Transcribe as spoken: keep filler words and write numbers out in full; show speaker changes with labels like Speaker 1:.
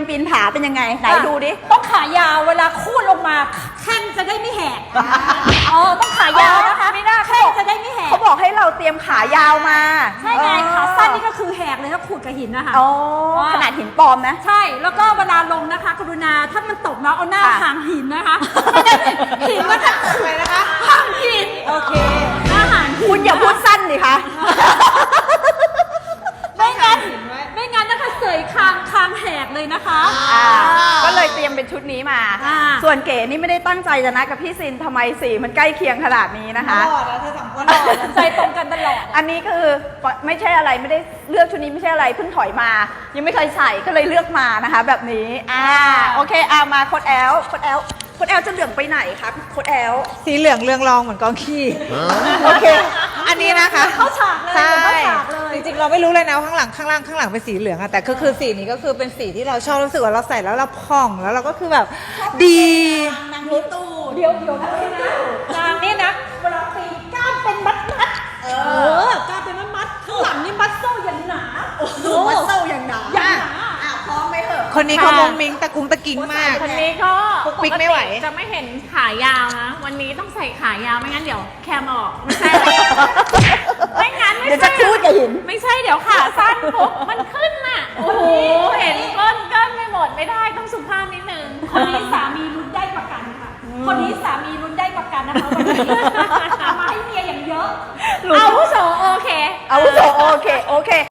Speaker 1: ปีนผาเป็นยังไงไหนดูดิ
Speaker 2: ต้องขายาวเวลาคูดลงมาแข้งจะได้ไม่แหกอ๋อต้องขายาวนะคะไม่น่าแข้งจะได้ไม่แหก
Speaker 1: เขาบอกให้เราเตรียมขายาวมา
Speaker 2: ใช่ไงขาสั้นนี่ก็คือแหกเลยถ้าขูดกับหินนะคะ
Speaker 1: อ๋อขนาดหินปลอมนะ
Speaker 2: ใช่แล้วก็เวลาลงนะคะกรุณาถ้ามันตกนะเอาหน้าห่างหินนะคะหินก็จะ
Speaker 3: อะไรนะคะ
Speaker 2: ห่างหิน
Speaker 3: โอเค
Speaker 2: หน้าห่าง
Speaker 1: คุณอย่าพูดสั้นดิคะ
Speaker 2: ไม่งั้นไม่งั้นนะคะเสยคางคางแหกเลยนะคะ
Speaker 1: ก็เลยเตรียมเป็นชุดนี้มาส่วนเก๋นี่ไม่ได้ตั้งใจจะนัดกับพี่ซินทำไมสีมันใกล้เคียงขนาดนี้นะคะ
Speaker 3: หล่อนะเธอสองคนหล่อ
Speaker 2: ใจตรงกันตลอด
Speaker 1: อันนี้คือไม่ใช่อะไรไม่ได้เลือกชุดนี้ไม่ใช่อะไรเพิ่งถอยมายังไม่เคยใส่ก็เลยเลือกมานะคะแบบนี้อ่าโอเคเอามาโค้ดแอลโค้ดแอลโค้ดแอลจะเหลืองไปไหนคะโค้ดแอล
Speaker 3: สีเหลืองเรืองรองเหมือนกองขี้โอเคอันนี้นะคะ
Speaker 2: เข้าฉากเลย
Speaker 3: ใช่
Speaker 2: เข้าฉากเลย
Speaker 3: จริงๆเราไม่รู้เลยนะข้างหลังข้างล่างข้างหลังเป็นสีเหลืองอะแต่ก็คือสีนี้ก็คือเป็นสีที่เราชอบรู้สึกว่าเราใส่แล้วเราผ่องแล้วเราก็คือแบบดี
Speaker 1: นางรู้ตู
Speaker 2: เดี๋ยวเดี๋ยวนะนางนี่นะเวลาตีก้านเป็นมัดมัดเออกล้ามเป็นมัดมัดข้างหลังนี่มัดโซ่อย่างหนา
Speaker 1: โอ้มัดโซ่อย่างหนา
Speaker 2: อย่างหนา
Speaker 1: อ่ะพร้อมไหมเหรอ
Speaker 3: คนนี้เขามงมิงตะกุงตะกิงมาก
Speaker 4: คนนี้ก็
Speaker 3: ปิ๊กไม่ไหว
Speaker 4: จะไม่เห็นขายาวนะวันนี้ต้องใส่ขายาวไม่งั้นเดี๋ยวแคมออกไม่ใช่ไม่งั้นไม่
Speaker 1: เดี๋ยว
Speaker 4: ใช่
Speaker 1: จะคูดกับหิน
Speaker 4: ไม่ใช่เดี๋ยวขาสั้นปุ๊บมันขึ้นน่ะโอ้โหเห็นก้นก้นไม่หมดไม่ได้ต้องสุภาพนิดนึง
Speaker 2: คนนี้สามีรุ่นได้ประกันค่ะคนนี้สามีรุ่นได้ประกันนะคะวันนี้เอามาให้เมียอย่างเยอะ
Speaker 4: อาวุโสโอเค
Speaker 1: อาวุโสโอเคโอเค